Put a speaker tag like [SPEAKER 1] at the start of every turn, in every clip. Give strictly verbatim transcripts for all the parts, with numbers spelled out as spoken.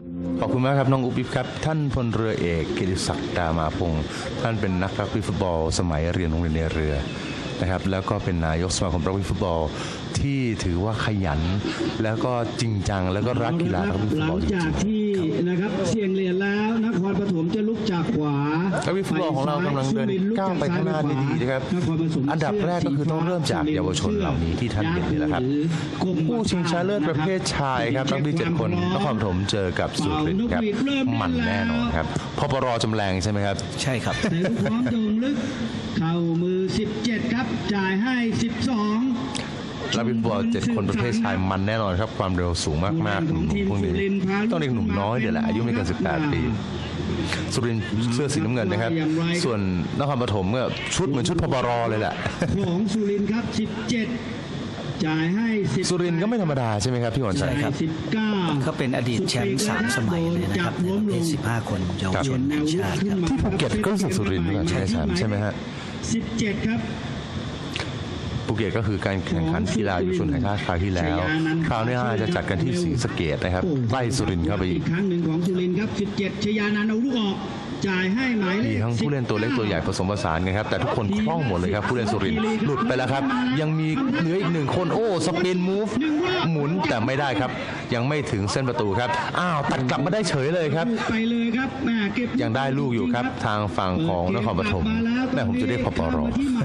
[SPEAKER 1] ขอบคุณมากครับน้องอุ๊บอิ๊บครับท่านพลเรือเอกกิติศักดิ์ดามาพงศ์ท่านเป็นนักรักบี้ฟุตบอลสมัยเรียนโรงเรียนในเรือนะครับแล้วก็เป็นนายกสมาคมรักบี้ฟุตบอลที่ถือว่าขยันแล้วก็จริงจังแล้วก็รักกีฬารักบี้ฟุตบอลจริงๆ
[SPEAKER 2] หลังจากที่นะครับเสี่ยงเหรียญแล้วนครปฐมจะลุกจากขวา
[SPEAKER 1] รักบี้ฟุตบอลของเรากำลังเดินก้าวไปข้างหน้าดีๆนะครับอันดับแรกก็คือต้องเริ่มจากเยาวชนเหล่านี้ที่ท่านเห็นนี่แหละครับผู้ชิงชนะเลิศประเภทชายครับรักบี้เจ็ดคนนครปฐมเจอกับสุรินทร์ครับมันแน่นอนครับพปร.จำแรงใช่ไหมครับ
[SPEAKER 3] ใช่ครับ
[SPEAKER 2] ในลูกพร้อมโด่งลึกเข้ามือสิบเจ็ดครับจ่ายให้สิบสอง
[SPEAKER 1] รักบี้ฟุตบอลเจ็ดคนประเภทชายมันแน่นอนครับความเร็วสูงมากๆหนุ่มๆพวกนี้ต้องเด็กหนุ่มน้อยเดี๋ยวแหละอายุไม่เกินสิบแปดปีสุรินทร์เสื้อสีน้ำเงินนะครับส่วนนครปฐมก็ชุดเหมือนชุดพปร.เลยแหละ
[SPEAKER 2] ของสุรินทร์ครับสิบเจ็ดจ่ายให้
[SPEAKER 1] สุรินทร์ก็ไม่ธรรมดาใช่ไหมครับพี่หวนชัยครับ
[SPEAKER 2] สิบเก้า
[SPEAKER 3] เขาเป็นอดีตแชมป์สามสมัยเลยนะครับในประเภทสิบห้าคนเยาวชนแห่งชาติครับ
[SPEAKER 1] ที่ภูเก็ตก็รู้สึกสุรินทร์ด้วยกันใช่ไหมใช่ไหมฮะ
[SPEAKER 2] สิบเจ็ดครับ
[SPEAKER 1] ภูเก็ตก็คือการแข่งขันกีฬาเยาวชนแห่งชาติคราวที่แล้วคราวนี้จะจัดกันที่ศรีสะเกษนะครับใกล้สุรินทร์เข้าไปอีก
[SPEAKER 2] ครั้งหนึ่งของสุรินทร์ครับสิบเจ็ดชยานันท์เอาลูกออกจ่ายให้หมายเลข
[SPEAKER 1] มีทั้งผู้เล่นตัวเล็กตัวใหญ่ผสมผสานกันครับแต่ทุกคนคล่องหมดเลยครับผู้เล่นสุรินทร์หลุดไปแล้วครับยังมีเหลืออีกหนึ่งคนโอ้สปินมูฟหมุนแต่ไม่ได้ครับยังไม่ถึงเส้นประตูครับอ้าวตัดกลับมาได้เฉยเลยครับ
[SPEAKER 2] ไปเลยครับแม่เก็บ
[SPEAKER 1] ยังได้ลูกอยู่ครับทางฝั่งของนครปฐมแม่ผมจะเรียกพปร.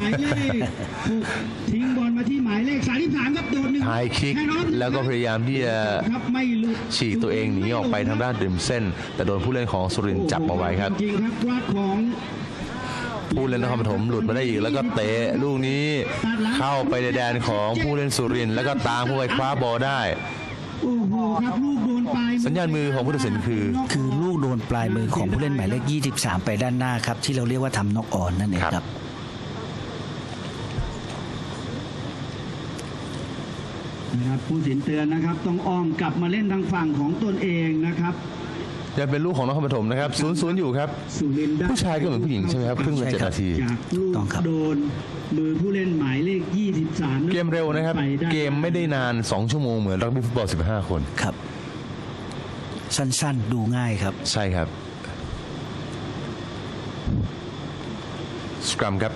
[SPEAKER 2] ทิ้งบอลมาที่หมายเลขสามสิบสามครับโดนหนึ่ง
[SPEAKER 1] ไฮคิกแล้วก็พยายามที่จะฉีกตัวเองหนีออกไปทางด้านริมเส้นแต่โดนผู้เล่นของสุรินทร์จับเอาไว้ครับผู้เล่นนครปฐมหลุดมาได้อีกแล้วก็เตะลูกนี้เข้าไปในแดนของผู้เล่นสุรินทร์แล้วก็ตามผู้ไปคว้าบอลได้สัญญาณมือของผู้ตัดสินคือ
[SPEAKER 3] คือลูกโดนปลายมือของผู้เล่นหมายเลขยี่สิบสามไปด้านหน้าครับที่เราเรียกว่าทำน็อกออนนั่นเองครับ
[SPEAKER 2] นะครับผู้สินเตือนนะครับต้องอ้อมกลับมาเล่นทางฝั่งของตนเองนะครับ
[SPEAKER 1] ยังเป็นลูกของนครปฐมนะครับศูนย์ศูนย์อยู่ครับผู้ชายก็เหมือนผู้หญิงใช่ไหมครับครึ่งละเจ็ดนาที
[SPEAKER 2] ต้องครับโดนมือผู้เล่นหมายเลขยี่สิบสาม
[SPEAKER 1] เกมเร็วนะครับเกมไม่ได้นานสองชั่วโมงเหมือนรักบี้ฟุตบอลสิบห้าคน
[SPEAKER 3] ครับสั้นๆดูง่ายครับ
[SPEAKER 1] ใช่ครับสครัมครับ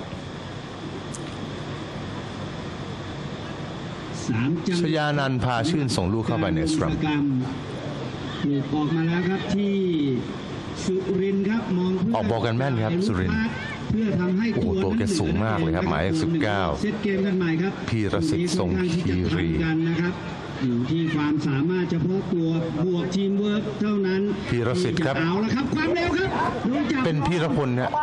[SPEAKER 1] ชยานันท์พาชื่นส่งลูกเข้าไปในสครัม
[SPEAKER 2] ลูกออกมาแล้วครับที่สุรินทร์ครับมอง
[SPEAKER 1] ออกบอลกันแม่นครับสุรินทร์
[SPEAKER 2] เพื่อทำให้
[SPEAKER 1] โอ้ตัวแกสูงมากเลยครับหมายเลขสิบเก้า
[SPEAKER 2] เซตเกมกันใหม่ครับ
[SPEAKER 1] พีรศิษฐ์ทรงคีรี
[SPEAKER 2] นะครับอยู่ที่ความสามารถเฉพาะตัวบวกทีมเวิร์กเท่านั้น
[SPEAKER 1] พีรศิษฐ์ครับ
[SPEAKER 2] เอาละครับความเร็วครับ
[SPEAKER 1] เป็นพีรพลนะ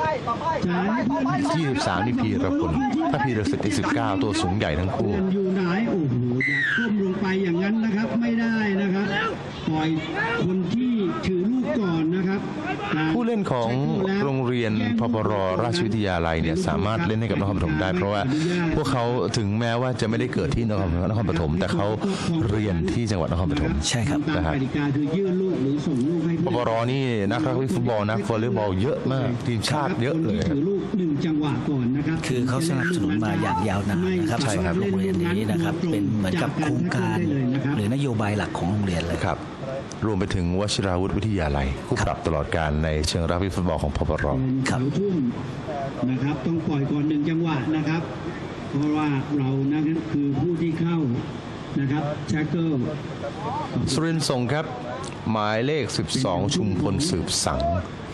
[SPEAKER 1] ที่สิบสามนี่พีรพลถ้าพีรศิษฐ์ที่สิบเก้าตัวสูงใหญ่ทั้งคู่
[SPEAKER 2] อยู่ไหนโอ้โหอยากก้มลงไปอย่างนั้นนะครับไม่ได้นะครับปล่อยคนที่ถือลูกก่อนนะครับ
[SPEAKER 1] ผู้เล่นของโรงเรียนพปร.ราชวิทยาลัยเนี่ยสามารถเล่นให้กับนครปฐมได้เพราะว่าพวกเขาถึงแม้ว่าจะไม่ได้เกิดที่นครนครปฐมแต่เขาเรียนที่จังหวัดนครปฐม
[SPEAKER 3] ใช่ครับ
[SPEAKER 1] นะครับปปร.นี่นักรักบี้ฟุตบอลนักวอลเลย์บอลเยอะมากทีมชาติเยอะเลย
[SPEAKER 2] ถือลูกหนึ่งจังหวะก่อนนะครับ
[SPEAKER 3] คือเขาสนับสนุนมาอย่างยาวนานนะครับสำหรับโรงเรียนนี้นะครับเป็นเหมือนกับโครงการหรือนโยบายหลักของโรงเรียนเลย
[SPEAKER 1] ครับรวมไปถึงวชิราวุธวิทยาลัยคู่ปรับตลอดการในเชิงรักบี้ฟุตบอลของพปร.
[SPEAKER 2] ครับทุ่มนะครับต้องปล่อยก่อนหนึ่งจังหวะนะครับเพราะว่าเรานั่นคือผู้ที่เข้านะครับแช็คเกิล
[SPEAKER 1] สุรินทร์ส่งครับหมายเลขสิบสองชุมพลสืบสัง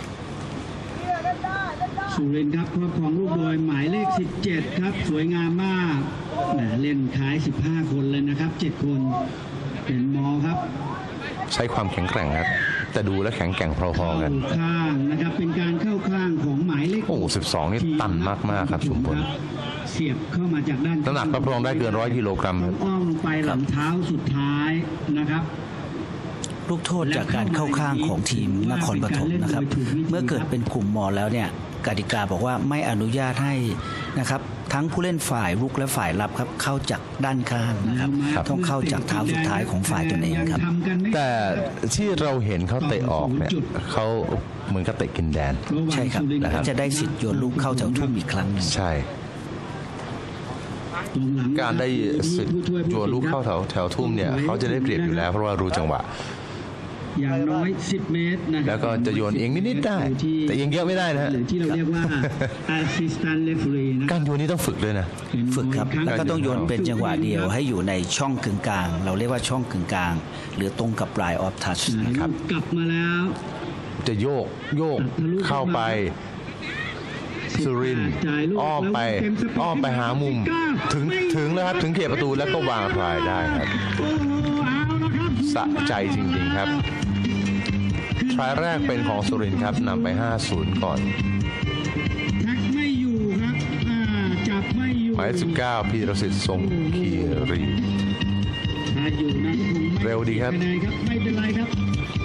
[SPEAKER 2] สุรินทร์ครับครอบครองลูกโดยหมายเลขสิบเจ็ดครับสวยงามมากเล่นคล้ายสิบห้าคนเลยนะครับเจ็ดคนเป็นมอครับ
[SPEAKER 1] ใช้ความแข็งแกร่งครับแต่ดูและแข็งแกร่งพอๆกัน
[SPEAKER 2] ข้างนะครับเป็นการเข้าข้างของหมายเลข
[SPEAKER 1] โอ้สิบสองนี่ตันมากๆครับชุมพล
[SPEAKER 2] เสียบเข้ามาจากด้าน
[SPEAKER 1] น้ำหนักรับรองได้เกินร้อยกิโลกรัม
[SPEAKER 2] อ้อมลงไปหลังเท้าสุดท้ายนะครับ
[SPEAKER 3] ลูกโทษจากการเข้าข้างของทีมนครปฐมนะครับเมื่อเกิดเป็นกลุ่มมอแล้วเนี่ยกติกาบอกว่าไม่อนุญาตให้นะครับทั้งผู้เล่นฝ่ายรุกและฝ่ายรับครับเข้าจากด้านข้างนะครับต้องเข้าจากเท้าสุดท้ายของฝ่ายตนเองครับ
[SPEAKER 1] แต่ที่เราเห็นเขาเตะออกเนี่ยเขาเหมือนกับเตะกินแดน
[SPEAKER 3] ใช่ครับแล้วจะได้สิทธิ์โยนลูกเข้าแถวทุ่มอีกครั้งนึง
[SPEAKER 1] ใช่การได้สิทธิ์โยนลูกเข้าแถวแถวทุ่มเนี่ยเขาจะได้เปรียบอยู่แล้วเพราะว่ารู้จังหวะ
[SPEAKER 2] อย่างน้อยสิบเมตรนะครับ
[SPEAKER 1] แล้วก็จะโยนเอียงนิดๆได้แต่เอียงเยอะไม่ได้นะฮะ
[SPEAKER 2] หรือที่เราเรียกว่า assistant referee นะ
[SPEAKER 1] การโยนนี่ต้องฝึกด้วยนะ
[SPEAKER 3] ฝึกครับแล้วก็ต้องโยนเป็นจังหวะเดียวให้อยู่ในช่องกึ่งกลาง เราเรียกว่าช่องกึ่งกลาง หรือตรงกับปลายออฟทัช
[SPEAKER 1] ครับ
[SPEAKER 2] กลับมาแล้ว
[SPEAKER 1] จะโยกโยกเข้าไปสุรินทร์อ้อมไปอ้อมไปหามุมถึงถึงแล้วครับถึงเขตประตูแล้วก็วางทรายได้ครับ
[SPEAKER 2] โอ้โหเอาละครับ
[SPEAKER 1] สะใจจริงๆครับทรายแรกเป็นของสุรินทร์ครับนำไป ห้าศูนย์ ก่อน
[SPEAKER 2] แท็กไม่อยู่ครับอ่าจับไม่อยู่
[SPEAKER 1] หมายเลขสิบเก้าพีรสิทธิ์ทรงคีรี
[SPEAKER 2] ถ้าอยู่นะก็คงไม่
[SPEAKER 1] เร็วดีครับ
[SPEAKER 2] คะแนนครับไม่เป็นไรครับ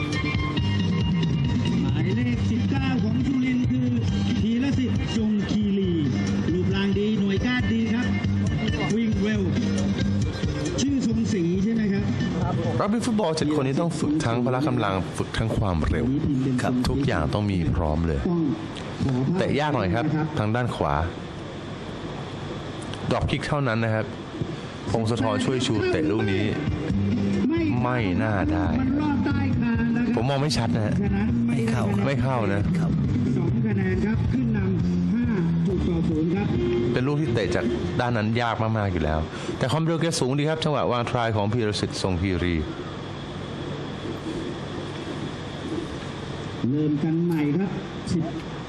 [SPEAKER 2] หมายเลขสิบเก้าของสุรินทร์คือธีรสิทธิ์ทรงคีรีรูปร่างดีหน่วยก้านดีครับ วิ่งเร็ว ชื่อทรงศรีใช่ไหมครับ
[SPEAKER 1] รักบี้ฟุตบอลเจ็ดคนนี้ต้องฝึกทั้งพละกำลังฝึกทั้งความเร็ว
[SPEAKER 2] ครับ
[SPEAKER 1] ทุกอย่างต้องมีพร้อมเลย
[SPEAKER 2] ต้องขอภาพ
[SPEAKER 1] แต่ยากหน่อยครับ ทางด้านขวาดรอปคิกเท่านั้นนะครับพงศธรช่วยชูเตะลูกนี้ ไม่น่าได้
[SPEAKER 2] มันรอดใต้คานนะครับ
[SPEAKER 1] ผมมองไม่ชัดนะฮะ
[SPEAKER 2] ฉะนั้น
[SPEAKER 3] ไม่เข้า
[SPEAKER 1] ไม่เข้านะ
[SPEAKER 3] ครับ
[SPEAKER 2] สองคะแนนครับ ขึ้นนำห้าจุดต่อศูนย์ครับ
[SPEAKER 1] เป็นลูกที่เตะจากด้านนั้นยากมากๆอยู่แล้ว แต่ความเร็วแกสูงดีครับจังหวะวางทรายของพีรสิทธิ์ทรงคีรี
[SPEAKER 2] เริ่มกันใหม่ครับสิบ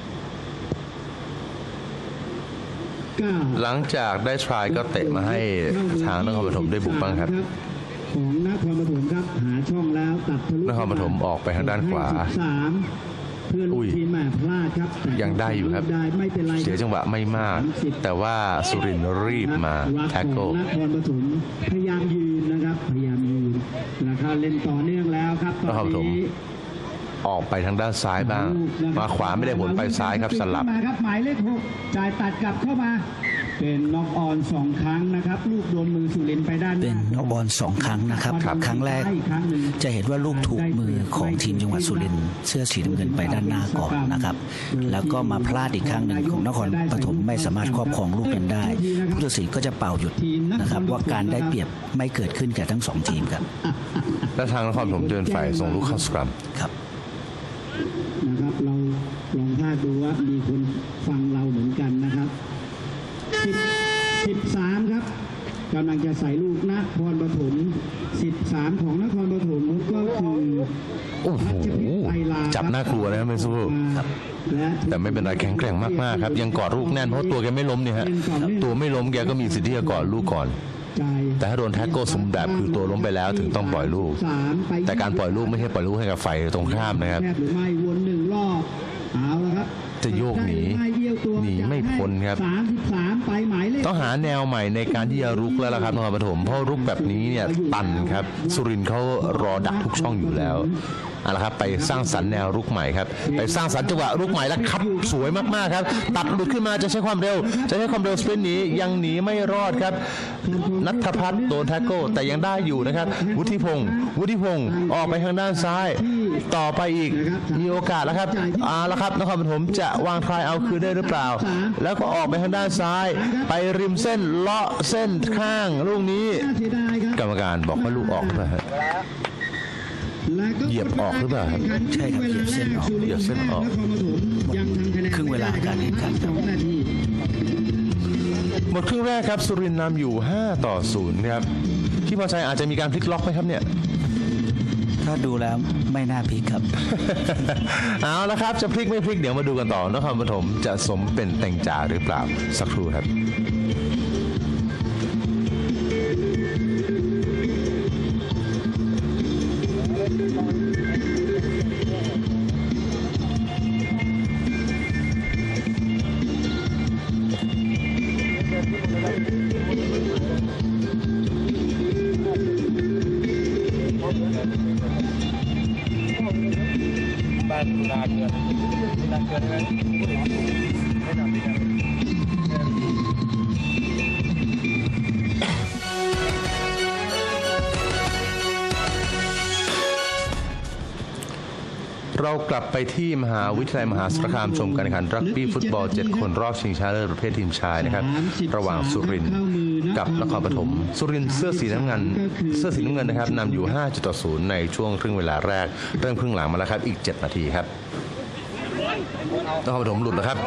[SPEAKER 2] เก้า
[SPEAKER 1] หลังจากได้ทรายก็เตะมาให้ทางนครปฐมได้บุกบ้างครับ
[SPEAKER 2] ของนครปฐมครับหาช่องแล้วตัดทะลุ
[SPEAKER 1] นครปฐมออกไปทางด้านขวา
[SPEAKER 2] ให้สิบสามเพื่อน
[SPEAKER 1] อุ้
[SPEAKER 2] ลูก
[SPEAKER 1] ย
[SPEAKER 2] ทีมแหม่พลาดครับแต่
[SPEAKER 1] ยังได้อยู่ครับ
[SPEAKER 2] ได้ไม่เป็นไร
[SPEAKER 1] เสียจังหวะไม่มาก แต่ว่าสุรินทร์รีบมาแท็กเกิล
[SPEAKER 2] นครปฐมพยายามยืนนะครับ พยายามยืนนะครับเล่นต่อเนื่องแล้วครับตอน
[SPEAKER 1] นครปฐม
[SPEAKER 2] นี้
[SPEAKER 1] ออกไปทางด้านซ้ายบ้าง มาขวาไม่ได้ผลไปซ้ายครับสลับ
[SPEAKER 2] มาครับหมายเลขหกจ่ายตัดกลับเข้ามา เป็นน็อกออนสองครั้งนะครับ ลูกโดนมือสุรินทร์ไปด้านห
[SPEAKER 3] เป็น
[SPEAKER 2] น้า
[SPEAKER 3] น็อกบอลสองครั้งนะครับ
[SPEAKER 1] ครับ
[SPEAKER 3] ครั้งแรก
[SPEAKER 2] อีครั้งหนึ่ง
[SPEAKER 3] จะเห็นว่าลูกถูกมือของทีมจังหวัดสุรินทร์เสื้อสีน้ำเงินไปด้านหน้าก่อนนะครับ แล้วก็มาพลาดอีกครั้งหนึ่งของนครปฐมไม่สามารถครอบครองลูกนั้นได้ผู้ตัดสินก็จะเป่าหยุดนะครับว่าการได้เปรียบไม่เกิดขึ้นแก่ทั้งสองทีมครับ
[SPEAKER 1] และทางนครปฐมเดินฝ่ายส่งลูกเข้าสกรัม
[SPEAKER 3] ครับ
[SPEAKER 2] นะครับเราลองพากดูว่ามีคนฟังเราเหมือนกันนะครับสิบสิบสามครับกำลังจะใส่ลูกนครปฐมสิบสามของนครปฐมก็คือ
[SPEAKER 1] โอ้โหจับน่ากลัวนะครับเมซู
[SPEAKER 3] ครับ
[SPEAKER 2] และ
[SPEAKER 1] แต่ไม่เป็นไรแข็งแกร่งมากๆครับยังกอดลูกแน่นเพราะตัวแกไม่ล้มเนี่ยฮะตัวไม่ล้มแกก็มีสิทธิ์ที่จะกอดลูกก่อน
[SPEAKER 2] จ่าย
[SPEAKER 1] แต่ถ้าโดนแท็กเกิลสมแบบคือตัวล้มไปแล้วถึงต้องปล่อยลูก
[SPEAKER 2] สามไป
[SPEAKER 1] แต่การปล่อยลูกไม่ใช่ปล่อยลูกให้กับฝ่ายตรงข้ามนะครับ
[SPEAKER 2] แหรือไม่วนหนึ่งรอบเอาละครับ
[SPEAKER 1] จะโยกหนี
[SPEAKER 2] ได้รือไม่เอี้ยวตัว
[SPEAKER 1] หนีไม่พ้นครับ
[SPEAKER 2] สามสิบสามไปหมายเลข
[SPEAKER 1] ต้องหาแนวใหม่ในการที่จะรุกแล้วล่ะครับนครปฐมเพราะรุกแบบนี้เนี่ยตันครับสุรินทร์เขารอดักทุกช่องอยู่แล้วเอาละครับไปสร้างสรรค์แนวรุกใหม่ครับไปสร้างสรรค์จังหวะรุกใหม่แล้วครับสวยมากๆครับตัดหลุดขึ้นมาจะใช้ความเร็ว จะใช้ความเร็วสปรินต์หนียังหนีไม่รอดครับนัทพัฒน์โดนแท็กเกิลแต่ยังได้อยู่นะครับวุฒิพงศ์วุฒิพงศ์ออกไปทางด้านซ้าย ต่อไปอีกมีโอกาสแล้วครับเอาละครับนครปฐมจะวางทรายเอาคืนได้หรือเปล่า แล้วก็ออกไปทางด้านซ้าย ไปริมเส้นเลาะเส้นข้างลูกนี้
[SPEAKER 2] น่าเสียดายครับ
[SPEAKER 1] กรรมการบอกว่าลูกออกนะฮะ
[SPEAKER 2] แล้วก็
[SPEAKER 1] เหยียบออกหรือเปล่าครับ
[SPEAKER 3] ใช่ครับเหยียบเส้นออก
[SPEAKER 1] เหยียบเส้นออก
[SPEAKER 2] นครปฐมยังทำคะแนน
[SPEAKER 3] ครึ่งเวลาการแข่งขัน
[SPEAKER 2] สองนาที
[SPEAKER 1] หมดครึ่งแรกครับสุรินทร์นำอยู่ห้าต่อศูนย์ครับที่พอใจอาจจะมีการพลิกล็อกไหมครับเนี่ย
[SPEAKER 3] ถ้าดูแล้วไม่น่าพลิกครับ
[SPEAKER 1] เอาละครับจะพลิกไม่พลิกเดี๋ยวมาดูกันต่อนครปฐมจะสมเป็นแต่งจ่าหรือเปล่าสักครู่ครับเรากลับไปที่มหาวิทยาลัยมหาสารคามชมการแข่งขันรักบี้ฟุตบอลเจ็ดคนรอบชิงชนะเลิศประเภททีมชายนะครับระหว่างสุรินทร์กับนครปฐมสุรินทร์เสื้อสีน้ำเงินเสื้อสีน้ำเงินนะครับนำอยู่ห้าจุดต่อศูนย์ในช่วงครึ่งเวลาแรกเริ่มครึ่งหลังมาแล้วครับอีกเจ็ดนาทีครับนครปฐมหลุดแล้วครับ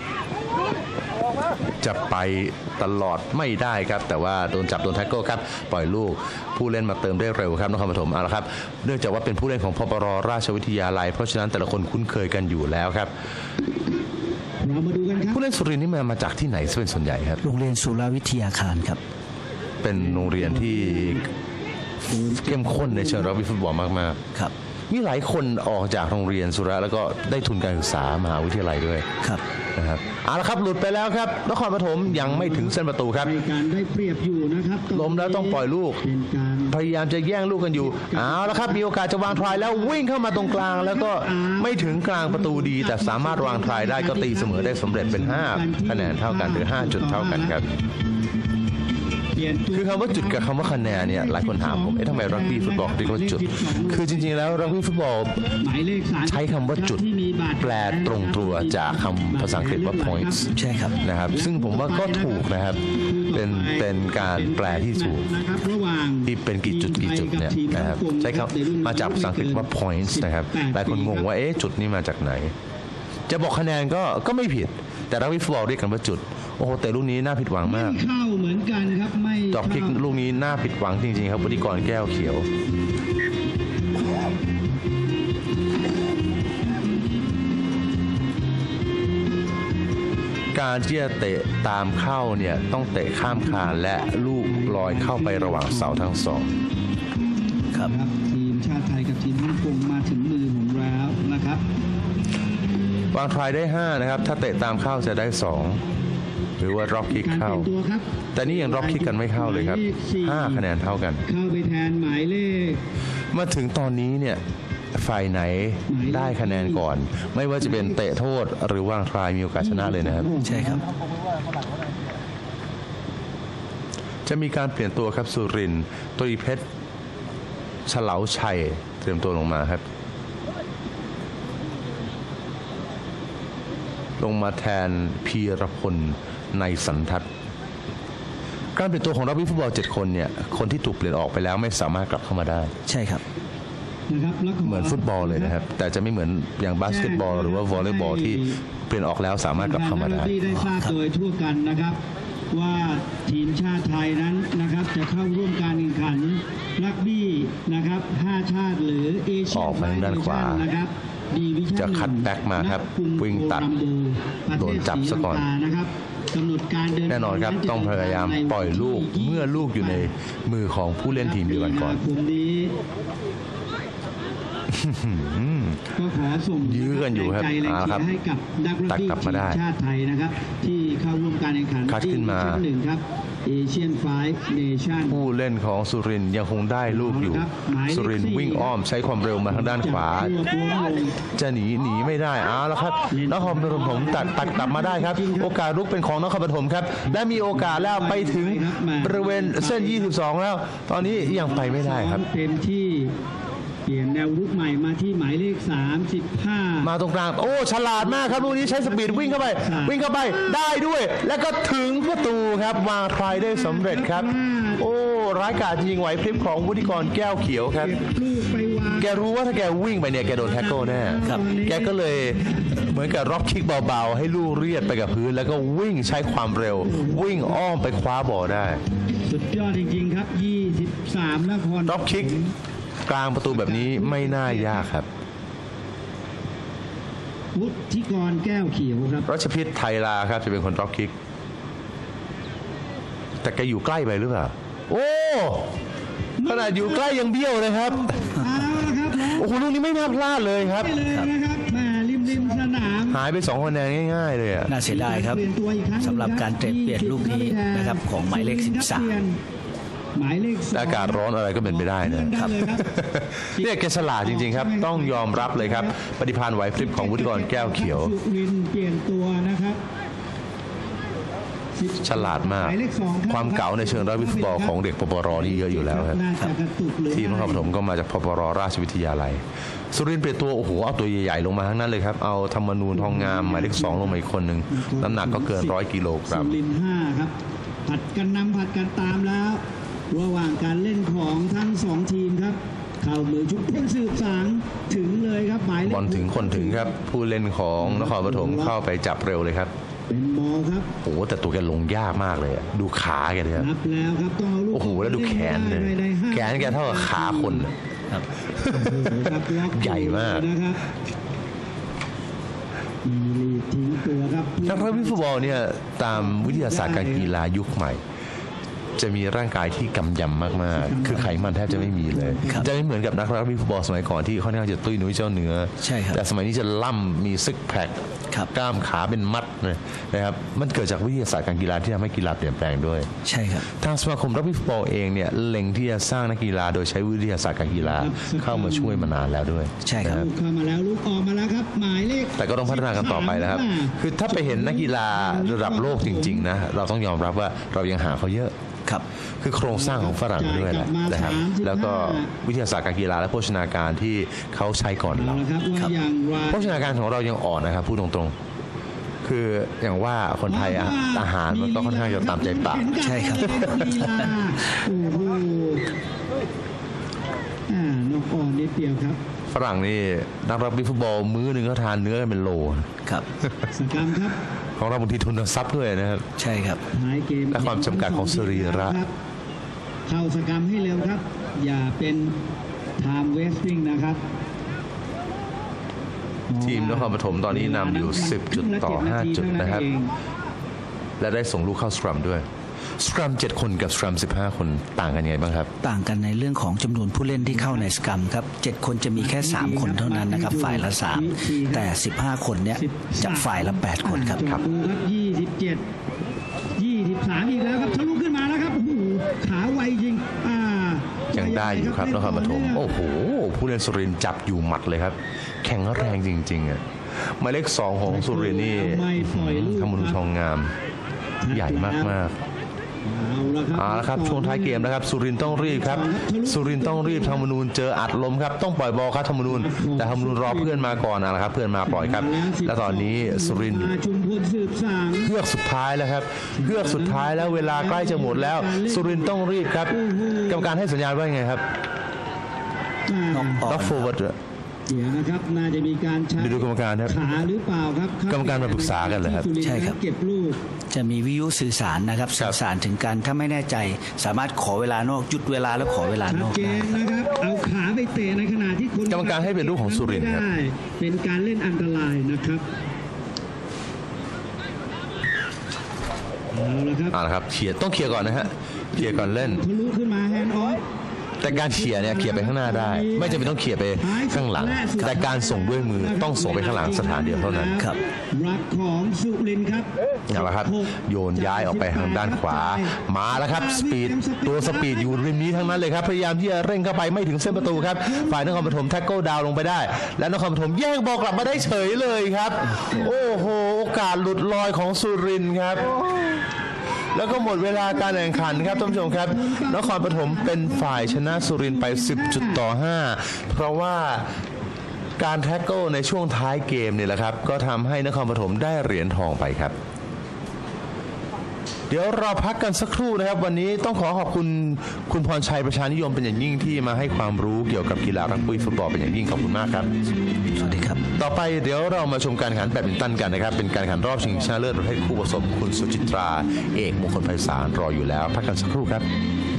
[SPEAKER 1] จะไปตลอดไม่ได้ครับแต่ว่าโดนจับโดนแท็กเกิลครับปล่อยลูกผู้เล่นมาเติมได้เร็วครับนครปฐมเอาละครับเนื่องจากว่าเป็นผู้เล่นของพปรราชวิทยาลัยเพราะฉะนั้นแต่ละคนคุ้นเคยกันอยู่แล้วครับ
[SPEAKER 2] เรามาดูกันครับ
[SPEAKER 1] ผู้เล่นสุรินทร์นี่มามาจากที่ไหนเป็นส่วนใหญ่ครับ
[SPEAKER 3] โรงเรียนสุรวิทยาคารครับ
[SPEAKER 1] เป็นโรงเรียนที่เข้มข้นในเชิงรักบี้ฟุตบอลมาก
[SPEAKER 3] ครับ
[SPEAKER 1] ๆมีหลายคนออกจากโรงเรียนสุระแล้วก็ได้ทุนการศึกษามหาวิทยาลัยด้วย
[SPEAKER 3] ครับ
[SPEAKER 1] นะครับเอาละครับหลุดไปแล้วครับนครปฐมยังไม่ถึงเส้นประตูครับ
[SPEAKER 2] ในการได้เปรียบอยู่นะครับ
[SPEAKER 1] ล้มแล้วต้องปล่อยลูก
[SPEAKER 2] เป็นการ
[SPEAKER 1] พยายามจะแย่งลูกกันอยู่เอาละครับมีโอกาสจะวางทรายแล้ววิ่งเข้ามาตรงกลาง แล้วก็ไม่ถึงกลางประตูดี แต่สามารถวางทรายได้ก็ตีเสมอได้สำเร็จเป็นห้าคะแนนเท่ากันหรือห้าจุดเท่ากันครับ
[SPEAKER 2] เปลี่ยนตัว
[SPEAKER 1] คือคำว่าจุดกับคำว่าคะแนนเนี่ยหลายคนถามผมเอ๊ะทำไมรักบี้ฟุตบอลเรียกว่าจุดคือจริงๆแล้วรักบี้ฟุตบอล
[SPEAKER 2] หมายเลขสาม
[SPEAKER 1] ใช้คำว่าจุด
[SPEAKER 2] ที่มีบาด
[SPEAKER 1] แปลตรงตัวจากคำภาษาอังกฤษว่า points
[SPEAKER 3] ใช่ครับ
[SPEAKER 1] นะครับซึ่งผมว่าก็ถูกนะครับเป็นเป็นการแปลที่ถูก
[SPEAKER 2] นะครับระหว่าง
[SPEAKER 1] ที่เป็นกี่จุดกี่จุดเนี่ยนะครับใช้คำมาจากภาษาอังกฤษว่า points นะครับหลายคนงงว่าเอ๊ะจุดนี่มาจากไหน จะบอกคะแนนก็ก็ไม่ผิดแต่รักบี้ฟุตบอลเรียกกันว่าจุดโอ้โหแต่ลูกนี้น่าผิดหวัง
[SPEAKER 2] ไม่
[SPEAKER 1] มาก
[SPEAKER 2] เข้าเหมือนกันครับไม่
[SPEAKER 1] ดอกคิก
[SPEAKER 2] เข้า
[SPEAKER 1] ลูกนี้น่าผิดหวังจริงๆครับวุฒิกรแก้วเขียว การที่จะเตะตามเข้าเนี่ยต้องเตะข้ามคานและลูกลอยเข้าไประหว่างเสาทั้งสอง
[SPEAKER 3] ครับ
[SPEAKER 2] ครับทีมชาติไทยกับทีมฮ่องกงมาถึงมือผมแล้วนะครับ
[SPEAKER 1] วางทรายได้ห้านะครับถ้าเตะตามเข้าจะได้สองหรือว่าร็อกคิก
[SPEAKER 2] การ
[SPEAKER 1] เข้า
[SPEAKER 2] เปลี่ยนตัวครับ
[SPEAKER 1] แต่นี่ยังร็อกคิกกันไม่เข้าเลยครับห้าคะแนนเท่ากัน
[SPEAKER 2] เข้าไปแทนหมายเลข
[SPEAKER 1] มาถึงตอนนี้เนี่ยฝ่ายไหนได้คะแนนก่อน ไม่ว่าจะเป็นเตะโทษหรือวางทรายมีโอกาสชนะเลยนะครับ
[SPEAKER 3] ใช่ครับ
[SPEAKER 1] จะมีการเปลี่ยนตัวครับสุรินทร์ตรีเพชรเฉลาชัยเตรียมตัวลงมาครับ ลงมาแทนพีรพลในสันทัศน์การเปลี่ยนตัวของรักบี้ฟุตบอลเจ็ดคนเนี่ยคนที่ถูกเปลี่ยนออกไปแล้วไม่สามารถกลับเข้ามาได้
[SPEAKER 3] ใช่ครับ
[SPEAKER 2] นะครับแล้วก็
[SPEAKER 1] เหมือนฟุตบอลเลยนะครับ แต่จะไม่เหมือนอย่างบาสเกตบอลหรือว่าวอลเลย์บอลที่เปลี่ยนออกแล้วสามารถกลับเข้ามาได้
[SPEAKER 2] ที่ได้ทราบโดยทั่วกันนะครับ ว่าทีมชาติไทยนั้นนะครับจะเข้าร่วมการแข่งขันรักบี้นะครับห้าชาติหรือเอเชีย
[SPEAKER 1] ออกไปทางด้านขวา
[SPEAKER 2] นะครับดีวิชั่น
[SPEAKER 1] จะคัดแบ็กมาครับ
[SPEAKER 2] ณกรุ
[SPEAKER 1] วิ่งตัด
[SPEAKER 2] โคลัมโบ
[SPEAKER 1] โดนจับซะก่อน
[SPEAKER 2] ประเทศศรีลังกานะครับกำหนดการเดิน
[SPEAKER 1] แน่นอนครับต้องพยายามปล่อยลูกเมื่อลูกอยู่ในมือของผู้เล่นทีมเดียวกันก่อน
[SPEAKER 2] มีาคมนี้ ก็ขอส่ง
[SPEAKER 1] ยื้อกันอยู่ครับ
[SPEAKER 2] แรงใจแรง
[SPEAKER 1] เอาละครับ
[SPEAKER 2] เชียร์ให้กับนักรัก
[SPEAKER 1] ตัด
[SPEAKER 2] บี้
[SPEAKER 1] กลับ
[SPEAKER 2] ที
[SPEAKER 1] มาได้
[SPEAKER 2] มชาติไทยนะครับ ที่เข้าร่วมการแข่งขัน
[SPEAKER 1] คัดขึ้นมา
[SPEAKER 2] ที่ดิวิชั่นหนึ่งครับเอเชียนไฟฟ์เนชั่น
[SPEAKER 1] ผู้เล่นของสุรินทร์ยังคงได้ลูกอยู่ สุรินทร์วิ่งอ้อมใช้ความเร็วมาทางด้านขวา จะหนีหนีไม่ได้เอาแล้วครับนครปฐมตัดตัดกลับมาได้ครับ โอกาสลุกเป็นของนครปฐมครับ และมีโอกาสแล้วไปถึงบริเวณเส้น ยี่สิบสอง แล้ว ตอนนี้ยังไปไม่ได้ครับ
[SPEAKER 2] เต็มที่เปลี่ยนแนวรุกใหม่มาที่หมายเลขสามสิบห้า
[SPEAKER 1] มาตรงกลางโอ้ฉลาดมากครับลูกนี้ใช้สปีดวิ่งเข้าไป วิ่งเข้าไปได้ด้วย แล้วก็ถึงประตูครับวางทรายได้สำเร็จครับ โอ้ร้ายกาจจริงๆไหวพริบของวุฒิกรแก้วเขียวครับ
[SPEAKER 2] ลูกไปวาง
[SPEAKER 1] แกรู้ว่าถ้าแกวิ่งไปเนี่ยแกโดนแท็กเกิลแน่
[SPEAKER 3] ครับ
[SPEAKER 1] แกก็เลยเหมือนกับร็อกคิกเบาๆ ให้ลูกเรียดไปกับพื้น แล้วก็วิ่งใช้ความเร็ว วิ่งอ้อมไปคว้าบอลได้
[SPEAKER 2] สุดยอดจริงๆครับยี่สิบสามนคร
[SPEAKER 1] ร็อกคิกกลางประตูแบบนี้ไม่น่ายากครับ
[SPEAKER 2] วุฒิกรแก้วเขียวครับ
[SPEAKER 1] รัชพิษไทยลาครับจะเป็นคนร็อกคิก แต่แกอยู่ใกล้ไปหรือเปล่า โอ้ขนาดอยู่ใกล้ยังเบี้ยวเลยครับ
[SPEAKER 2] เอาละครับน้อง
[SPEAKER 1] โอ้โหลูกนี้ไม่น่าพลาดเลยครับ
[SPEAKER 2] ไปเลยนะครับแม่ริมริมสนาม
[SPEAKER 1] หายไปสองคะแนนง่ายๆเลยอะ
[SPEAKER 3] น่าเสียดายครับ
[SPEAKER 2] เปลี่ยนตัวอีกครั้ง
[SPEAKER 3] สำหรับการเตะเปลี่ยนลูกนี้นะครับของหมายเลขสิบสาม
[SPEAKER 2] หมายเลขสอง
[SPEAKER 1] อากาศร้อนอะไรก็เป็นไปได้นะครับ
[SPEAKER 2] ได้เลยครับ
[SPEAKER 1] เนี่ยแกฉลาดจริงๆครับ ต้องยอมรับเลยครับ ปฏิภาณไหวพริบของวุฒิกรแก้วเขียว
[SPEAKER 2] สุรินทร์เปลี่ยนตัวนะครับ
[SPEAKER 1] ฉลาดมาก
[SPEAKER 2] หมายเลขสองรับ
[SPEAKER 1] ความเก๋าในเชิงรักบี้ฟุตบอลของเด็กปปรนี่เยอะอยู่แล้วครับ
[SPEAKER 2] น่าจะกระตุกหรือ
[SPEAKER 1] ทีมนครปฐมก็มาจากปปรราชวิทยาลัยสุรินทร์เปลี่ยนตัวโอ้โหเอาตัวใหญ่ๆลงมาทั้งนั้นเลยครับเอาธรรมนูญทองงามหมายเลขสองลงมาอีกคนหนึ่งน้ำหนักก็เกินร้อยกิโลกรัม
[SPEAKER 2] สุรินทร์ห้าครับผัดกันนำผัดกันตามแล้ว ระหว่างการเล่นของทั้งสองทีมครับเข้ามือชุบเพ่งสืบสางถึงเลยครับหมายเลข
[SPEAKER 1] บอลถึงคนถึงครับผู้เล่นของนครปฐมเข้าไปจับเร็วเลยครับ
[SPEAKER 2] เป็นบอลครับ
[SPEAKER 1] โอ้โหแต่ตัวแกลงยากมากเลยอะดูขาแกเลยครับ
[SPEAKER 2] นับแล้วครับต้องเอาลูก
[SPEAKER 1] โอ้โหแล้วดูแขนเลย
[SPEAKER 2] ไปได้ห้า
[SPEAKER 1] แขนแกเท่ากับขาคนอะ
[SPEAKER 3] ครับ
[SPEAKER 2] ครับล็อก
[SPEAKER 1] ใหญ่มาก
[SPEAKER 2] นะครับมีลีดทิ้งตัวครับ
[SPEAKER 1] นักรักบี้ฟุตบอลเนี่ยตามวิทยาศาสตร์การกีฬายุคใหม่ จะมีร่างกายที่กำยำมากๆ คือไขมันแทบจะไม่มีเลย
[SPEAKER 3] ครับ
[SPEAKER 1] จะไม่เหมือนกับนักรักบี้ฟุตบอลสมัยก่อนที่ค่อนข้างจะตุ้ยนุ้ยเจ้าเนื้อ
[SPEAKER 3] ใช่ครับ
[SPEAKER 1] แต่สมัยนี้จะล่ำมีซิกแพค
[SPEAKER 3] ครับ
[SPEAKER 1] กล้ามขาเป็นมัดเลยนะครับมันเกิดจากวิทยาศาสตร์การกีฬาที่ทำให้กีฬาเปลี่ยนแปลงด้วย
[SPEAKER 3] ใช่ครับ
[SPEAKER 1] ทางสมาคมรักบี้ฟุตบอลเองเนี่ยเล็งที่จะสร้างนักกีฬาโดยใช้วิทยาศาสตร์การกีฬาเข้ามาช่วยมานานแล้วด้วย
[SPEAKER 3] ใช่ครับ
[SPEAKER 1] นะ
[SPEAKER 2] ลูกเข้ามาแล้วลูกออกมาแล้วครับหมายเลข
[SPEAKER 1] แต่ก็ต้องพัฒนากันต่อไปนะครับ คือถ้าไปเห็นนักกีฬาระดับโลกจริงๆนะเราต้องยอมรับว่าเรายังหาเขาเยอะ
[SPEAKER 3] ครับ
[SPEAKER 1] คือโครงสร้างของฝรั่งด้วยแหละนะครับแล้วก็วิทยาศาสตร์การกีฬาและโภชนาการที่เขาใช้ก่อน
[SPEAKER 2] เอา
[SPEAKER 1] เรา
[SPEAKER 2] ละครับว่าอย่างไร
[SPEAKER 1] โภชนาการของเรายังอ่อนนะครับพูดตรงๆ คืออย่างว่าคนไทยอะอาหารมันก็ค่อนข้างจะตามใจปาก
[SPEAKER 3] ใช่ครับ
[SPEAKER 2] ลีลาโอ้โหอ่านกอ่อนนิดเดียวครับ
[SPEAKER 1] ฝรั่งนี่นักรักบี้ฟุตบอลมื้อหนึ่งก็ทานเนื้อกันเป็นโล
[SPEAKER 3] ครับ
[SPEAKER 2] สกรรมครับ
[SPEAKER 1] ของเราบางทีทุนทรัพย์ด้วยนะครับ
[SPEAKER 3] ใช่ครับ
[SPEAKER 2] ท้ายเกม
[SPEAKER 1] และความจำกัดของสรีระ
[SPEAKER 2] คบเข้าสกรรมให้เร็วครับ อย่าเป็นไทม์เวสติ้งนะครับ
[SPEAKER 1] ทีมนครปฐมตอนนี้นำอยู่สิบจุดต่อห้าจุดนะครับ และได้ส่งลูกเข้าสครัมด้วยสครัมเจ็ดคนกับสครัมสิบห้าคนต่างกันยังไงบ้างครับ
[SPEAKER 3] ต่างกันในเรื่องของจำนวนผู้เล่นที่เข้าในสกรัมครับเจ็ดคนจะมีแค่สามคนเท่านั้นนะครับฝ่ายละสามแต่สิบห้าคนเนี้ยจะฝ่ายละแปดคนครับ
[SPEAKER 2] ครับดูครับยี่สิบเจ็ด ยี่สิบสามอีกแล้วครับทะลุขึ้นมาแล้วครับโอ้โหขาไวจริงอ่า
[SPEAKER 1] ยังได้อยู่ครับนครปฐมโอ้โหผู้เล่นสุรินทร์จับอยู่หมัดเลยครับ แข็งแรงจริงๆอ่ะหมายเลขสองของสุรินทร์นี่ธรรมนูญทองงามใหญ่มากๆ
[SPEAKER 2] เอาละครับ
[SPEAKER 1] เอาละครับช่วงท้ายเกมนะครับสุรินทร์ต้องรีบครับสุรินทร์ต้องรีบธรรมนูญเจออัดลมครับต้องปล่อยบอลครับธรรมนูญแต่ธรรมนูญรอเพื่อนมาก่อนนะครับเพื่อนมาปล่อยครับและตอนนี้สุรินทร์
[SPEAKER 2] ชุมพลสืบสาง
[SPEAKER 1] เฮือกสุดท้ายแล้วครับเฮือกสุดท้ายแล้วเวลาใกล้จะหมดแล้วสุรินทร์ต้องรีบครับกรรมการให้สัญญาณว่าไงครับ
[SPEAKER 3] น้องอ่อน
[SPEAKER 1] ล็อกโฟร์เวิร์ด
[SPEAKER 2] เดี๋ยวนะครับน่าจะมีการใช้
[SPEAKER 1] ดูกรรมการครับ
[SPEAKER 2] ขาหรือเปล่าครับ
[SPEAKER 1] กรรมการมาปรึกษากันเหรอครับ
[SPEAKER 3] ใช่ครับ
[SPEAKER 2] เก็บลูก
[SPEAKER 3] จะมีวิทยุสื่อสารนะครับสื่อสารถึงกันถ้าไม่แน่ใจ สามารถขอเวลานอกหยุดเวลาแล้วขอเวลา
[SPEAKER 2] ชั
[SPEAKER 3] น
[SPEAKER 2] ด
[SPEAKER 3] อก
[SPEAKER 2] เจ
[SPEAKER 3] ได้
[SPEAKER 2] นนะครับ เอาขาไปเตะในขณะที่คน
[SPEAKER 1] กรรมการให้เป็นลูกของสุรินทร์ครับ
[SPEAKER 2] ไม่ได้เป็นการเล่นอันตรายนะครับเอาละครับ
[SPEAKER 1] เอาละครับเคลียร์ต้องเคลียร์ก่อนนะฮะเคลียร์ก่อนเล่น
[SPEAKER 2] ทะลุขึ้นมาแฮนด์ออฟ
[SPEAKER 1] แต่การเขี่ยเนี่ยเขี่ยไปข้างหน้าได้ ไม่จำเป็นต้องเขี่ยไปข้างหลัง แต่การส่งด้วยมือต้องส่งไปข้างหลังสถานเดียวเท่านั้น
[SPEAKER 3] ครับ
[SPEAKER 2] รับของสุรินทร์ครับ
[SPEAKER 1] เอาละครับโยนย้ายออกไปทางด้านขวามาแล้วครับสปีดตัวสปีดอยู่ริมนี้ทั้งนั้นเลยครับพยายามที่จะเร่งเข้าไปไม่ถึงเส้นประตูครับฝ่ายนครปฐมแท็กเกิลดาวลงไปได้ และนครปฐมแย่งบอลกลับมาได้เฉยเลยครับ โอ้โหโอกาสหลุดลอยของสุรินทร์ครับ แล้วก็หมดเวลาการแข่งขันครับท่านผู้ชมครับนครปฐมเป็นฝ่ายชนะสุรินทร์ไปสิบจุดต่อห้าเพราะว่าการแท็กเกิลในช่วงท้ายเกมเนี่ยแหละครับก็ทำให้นครปฐมได้เหรียญทองไปครับเดี๋ยวเราพักกันสักครู่นะครับวันนี้ต้องขอขอบคุณคุณพรชัยประชานิยมเป็นอย่างยิ่งที่มาให้ความรู้เกี่ยวกับกีฬารักบี้ฟุตบอลเป็นอย่างยิ่งขอบคุณมากครับ
[SPEAKER 3] สวัสดีครับ
[SPEAKER 1] ต่อไปเดี๋ยวเรามาชมการแข่งขันแบดมินตันกันนะครับเป็นการแข่งขันรอบชิงชนะเลิศประเภทคู่ผสมคุณสุจิตราเอกมงคลไพศาลรออยู่แล้วพักกันสักครู่ครับ